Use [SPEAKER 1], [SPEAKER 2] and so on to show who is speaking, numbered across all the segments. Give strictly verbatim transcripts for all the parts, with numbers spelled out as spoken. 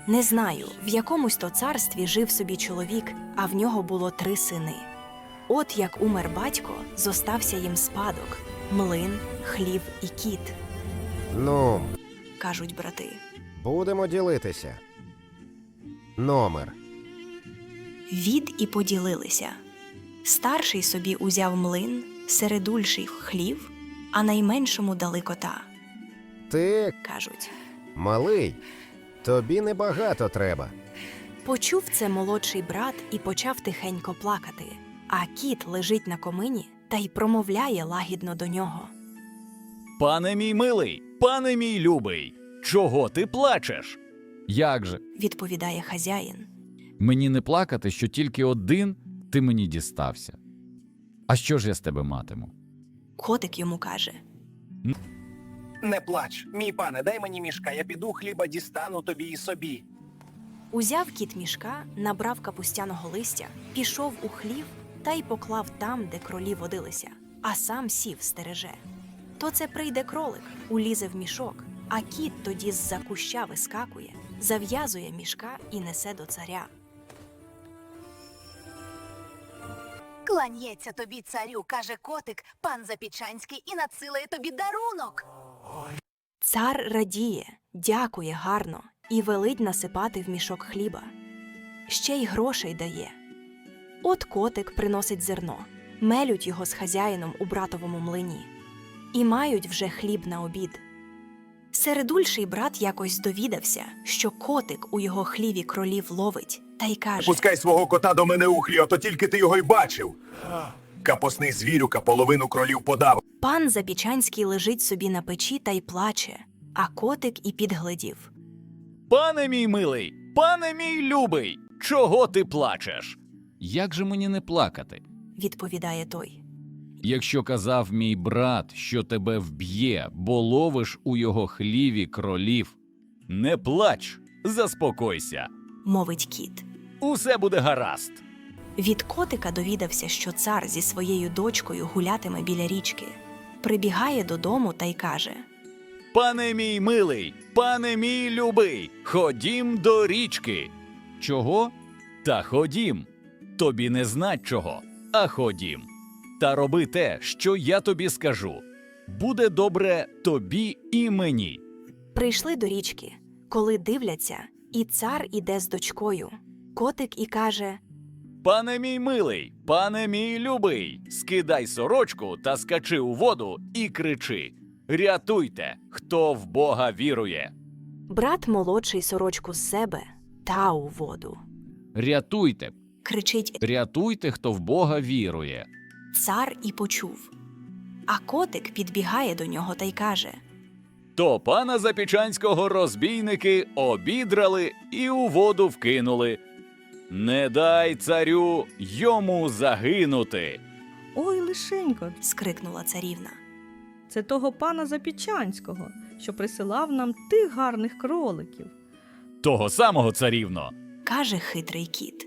[SPEAKER 1] Не знаю, в якомусь то царстві жив собі чоловік, а в нього було три сини. От як умер батько, зостався їм спадок – млин, хлів і кіт,
[SPEAKER 2] Ну,
[SPEAKER 1] кажуть брати.
[SPEAKER 2] будемо ділитися. Номер.
[SPEAKER 1] Від і поділилися. Старший собі узяв млин, середульший хлів, а найменшому дали кота,
[SPEAKER 2] Ти,
[SPEAKER 1] кажуть.
[SPEAKER 2] малий, тобі небагато треба.
[SPEAKER 1] Почув це молодший брат і почав тихенько плакати, а кіт лежить на комині та й промовляє лагідно до нього.
[SPEAKER 3] Пане мій милий, пане мій любий, чого ти плачеш?
[SPEAKER 4] Як же?
[SPEAKER 1] Відповідає хазяїн.
[SPEAKER 4] Мені не плакати, що тільки один ти мені дістався. А що ж я з тебе матиму?
[SPEAKER 1] Котик йому каже.
[SPEAKER 5] Не плач, мій пане, дай мені мішка, я піду хліба дістану тобі і собі.
[SPEAKER 1] Узяв кіт мішка, набрав капустяного листя, пішов у хлів та й поклав там, де кролі водилися, а сам сів стереже. То це прийде кролик, улізе в мішок, а кіт тоді з-за куща вискакує, зав'язує мішка і несе до царя.
[SPEAKER 6] Кланяється тобі, царю, каже котик, пан Запічанський, і надсилає тобі дарунок.
[SPEAKER 1] Цар радіє, дякує гарно і велить насипати в мішок хліба. Ще й грошей дає. От котик приносить зерно, мелють його з хазяїном у братовому млині. І мають вже хліб на обід. Середульший брат якось довідався, що котик у його хліві кролів ловить, та й каже:
[SPEAKER 5] Пускай свого кота до мене у хлів, а то тільки ти його й бачив. Капосний звірюка половину кролів подав.
[SPEAKER 1] Пан Запічанський лежить собі на печі та й плаче, а котик і підглядів.
[SPEAKER 3] Пане мій милий, пане мій любий, чого ти плачеш?
[SPEAKER 4] Як же мені не плакати?
[SPEAKER 1] Відповідає той.
[SPEAKER 4] Якщо казав мій брат, що тебе вб'є, бо ловиш у його хліві кролів.
[SPEAKER 3] Не плач, заспокойся.
[SPEAKER 1] Мовить кіт.
[SPEAKER 3] Усе буде гаразд.
[SPEAKER 1] Від котика довідався, що цар зі своєю дочкою гулятиме біля річки. Прибігає додому та й каже:
[SPEAKER 3] Пане мій милий, пане мій любий, ходім до річки.
[SPEAKER 4] Чого?
[SPEAKER 3] Та ходім. Тобі не знать чого, а ходім. Та роби те, що я тобі скажу. Буде добре тобі і мені.
[SPEAKER 1] Прийшли до річки, коли дивляться, і цар іде з дочкою. Котик і каже:
[SPEAKER 3] Пане мій милий, пане мій любий, скидай сорочку та скачи у воду і кричи: рятуйте, хто в Бога вірує.
[SPEAKER 1] брат молодший сорочку з себе та у воду.
[SPEAKER 4] Рятуйте,
[SPEAKER 1] Кричить
[SPEAKER 4] рятуйте, хто в Бога вірує.
[SPEAKER 1] цар і почув. А котик підбігає до нього та й каже:
[SPEAKER 3] То пана Запічанського розбійники обідрали і у воду вкинули. Не дай царю йому загинути.
[SPEAKER 7] Ой, лишенько,
[SPEAKER 1] скрикнула царівна.
[SPEAKER 7] це того пана Запічанського, що присилав нам тих гарних кроликів.
[SPEAKER 3] Того самого, царівно.
[SPEAKER 1] Каже хитрий кіт.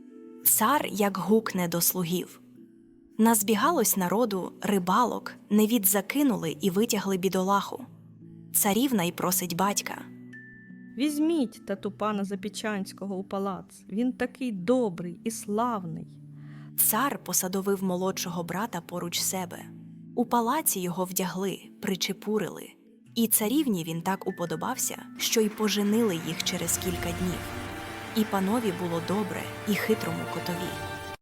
[SPEAKER 1] Цар як гукне до слугів. Назбігалось народу рибалок, невід закинули і витягли бідолаху. Царівна й просить батька.
[SPEAKER 7] Візьміть тату пана Запічанського у палац, він такий добрий і славний.
[SPEAKER 1] Цар посадовив молодшого брата поруч себе. У палаці його вдягли, причепурили. І царівні він так уподобався, що й поженили їх через кілька днів. І панові було добре, і хитрому котові.